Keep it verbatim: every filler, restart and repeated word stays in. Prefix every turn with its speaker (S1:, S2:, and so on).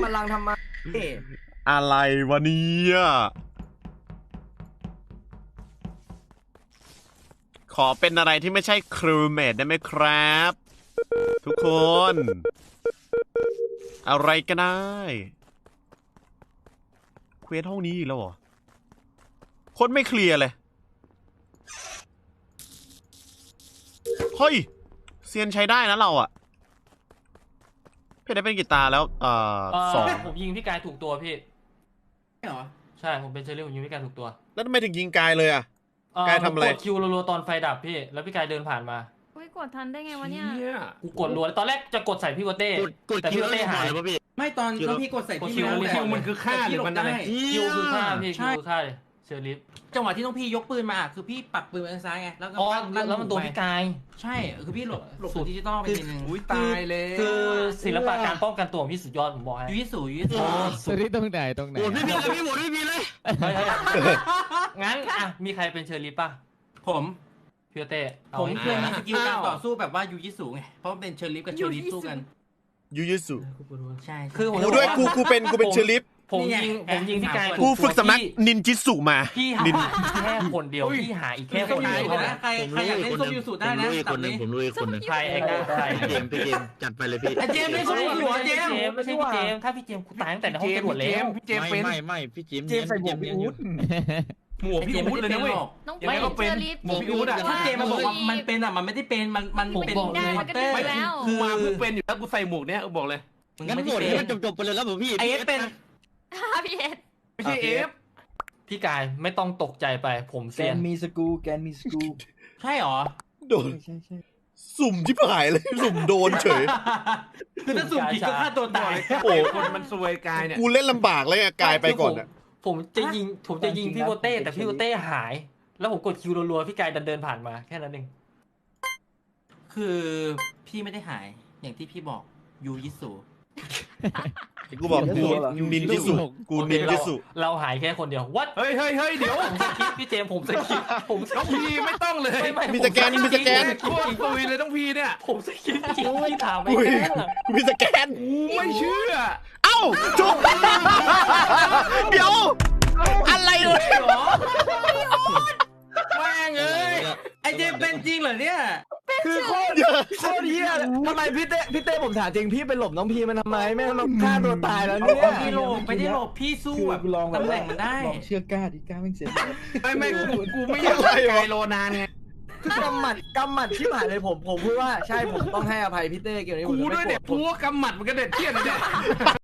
S1: บัลลังก์ทำไม
S2: อะไรวะเนี่ยขอเป็นอะไรที่ไม่ใช่ครูเมทได้ไหมครับ ทุกคน อะไรก็ได้เควสห้องนี้อีกแล้วเหรอโคตรไม่เคลียร์เลยเฮ้ยเซียนใช้ได้นะเราอะเพชรได้เป็นกีตาร์แล้วเอ่อสอง
S3: ผมยิงพี่กายถูกตัวพี่
S1: ใช่เหรอ
S3: ใช่ผมเป็นเชอรี่ผมยิงพี่กายถูกตัว
S2: แล้วทำไมถึงยิงกายเลยอะกายทำอะไร
S3: กดคิวรัวๆตอนไฟดับพี่แล้วพี่กายเดินผ่านมา
S4: อุ้ยกดทันได้ไงวะเนี่ย
S3: กูกดรัวตอนแรกจะกดใส่พี่โกเต้แต่พี่โกเต้หาย
S1: ไม่ตอนตอนพี่กดใส่พี่
S3: แล้ว
S1: แต่
S3: คิวมันคือฆ่าหรือมันอะไรคิวคือฆ่าพี่คิวคือฆ่าเชอรี่
S1: จังหวะที่ต้องพี่ยกปืนมาคือพี่ปักปืนไปทางซ้ายไงแล้วก็
S3: แล้วมันตัวพี่กาย
S1: ใช่คือพี่หลบหลบดิจิตอลไปทีนึง
S3: อุ้ยตายเลยคือศิลปะการป้องกันตัวของพี่สุดยอดผมบอกให้
S1: ยูยิสูยูยิสู
S5: สุดที่ตรงไหนตรงไหน
S3: โหไม่มีเลยพี่โหไม่มีเลยงั้นอ่ะมีใครเป็นเชอรี่ป่ะ
S1: ผม
S3: พี่เต้
S1: ผมเคยมีสกิลการต่อสู้แบบว่ายูยิสูไงเพราะมันเป็นเชอริฟกับเชอริฟสู้กัน
S2: ยูยิสุ
S1: ใช่
S3: คือ
S2: กูด้วยกูกูเป็นกูเป็นเชอริฟ
S3: ผมยิงผมยิงพี่กาย
S2: กูฝึกสำนักนินจิสุมา
S3: พี่หาแค่คนเดียวพี่หาอีกแค่คนเดียว
S1: นะใครใครอยากเล่นส้มยูสุได้นะ
S6: คนหนึ่งผมรู้อีกคนหนึ่ง
S3: ใครไอ้ก้าใคร
S6: เกมพี่เกมจัดไปเลยพี่
S1: เจมไม่ใช่หัวเจม
S3: ไม่ใช่พี่เจมถ้าพี่เจมกูตายตั้งแต่ในห้องจรวดแล้ว
S6: พี่เจมไม่ไม่ไม่พี่เจม
S5: เจมใส่หมวกพี่อู๊ด
S1: หมวกพี่อู๊ดเลยนะเว้ย
S4: ยังไงก็เป็น
S1: หมวกพี่อู๊ดอะถ้าเจมมาบอกว่ามันเป็นอะมันไม่ได้เป็นมันมันเป็น
S4: ได้มันก็ได้แล้ว
S1: คือมาเพิ่งเป็นอยู่แล้วกูใส่หมวกเนี้ยบอกเลย
S6: งั้นหมดให้มันจบๆไปเลยแล้วผมพี่
S1: ไอเอฟเป็น
S4: พี่เอส
S1: ไม่ใช่เอฟ
S3: พี่กายไม่ต้องตกใจไปผมเซียน
S5: แกนมีสกูแกนมีสกู
S1: ใช่หรอ
S2: โดน
S5: ใช่ใช่
S2: สุ่มที่ผายเลยสุ่มโดนเฉย
S1: คือถ้าสุ่มผิดก็ฆ่าตัวตาย
S2: โอ้
S1: คนมันซวยกายเนี่ย
S2: กูเล่นลำบากเลยอะกายไปก่อนอะ
S3: ผมจะยิงผมจะยิงพี่โกเต้แต่พี่โกเต้หายแล้วผมกดคิวรัวๆพี่กายเดินผ่านมาแค่นั้นเอง
S1: คือพี่ไม่ได้หายอย่างที่พี่บอกยูยิสุ
S2: กูบอกกูนินจิสุกูนินจิสุ
S3: เราหายแค่คนเดียววัด
S1: เฮ้ยเฮ้ยเฮ้ยเดี๋ยว
S3: ผมสกิปพี่เจมผมสกิปผม
S1: ต้องพีไม่ต้องเลย
S2: มีสแกนมีสแกน
S1: โคตรตุยเลยต้องพีเนี่ย
S3: ผมสกิปจริงพี่ถามไป
S2: มีสแกน
S1: ไม่เชื่อ
S2: เอ้าจุ๊บเดี๋ยวอะไรเลย
S1: แม่งเอ้ยไอเจมเป็นจริงเหรอเนี่ย
S5: คือโคตรโคตรเฮียทำไมพี่เต้พี่เต้ผมถามจริงพี่ไปหลบน้องพีมันทำไมแม่เราฆ่าตัวตายแล้วเนี่ย
S1: พี่หลบไม่ได้หลบพี่สู้แบบตำแหน่งมันได้
S5: ลองเชื่อกล้าดิกล้าไม่เสีย
S1: ไม่ไม่กูไม่อยากไกลโลนานไง
S5: คือกำหมัดกำหมัดที่ผ่านเลยผมผมพูดว่าใช่ผมต้องให้อภัยพี่เต้เกี่ยวกับนี้
S1: กูด้วยเด็ดพูว่ากำหมัดมันก็เด็ดเที่ยนเลยเนี่ย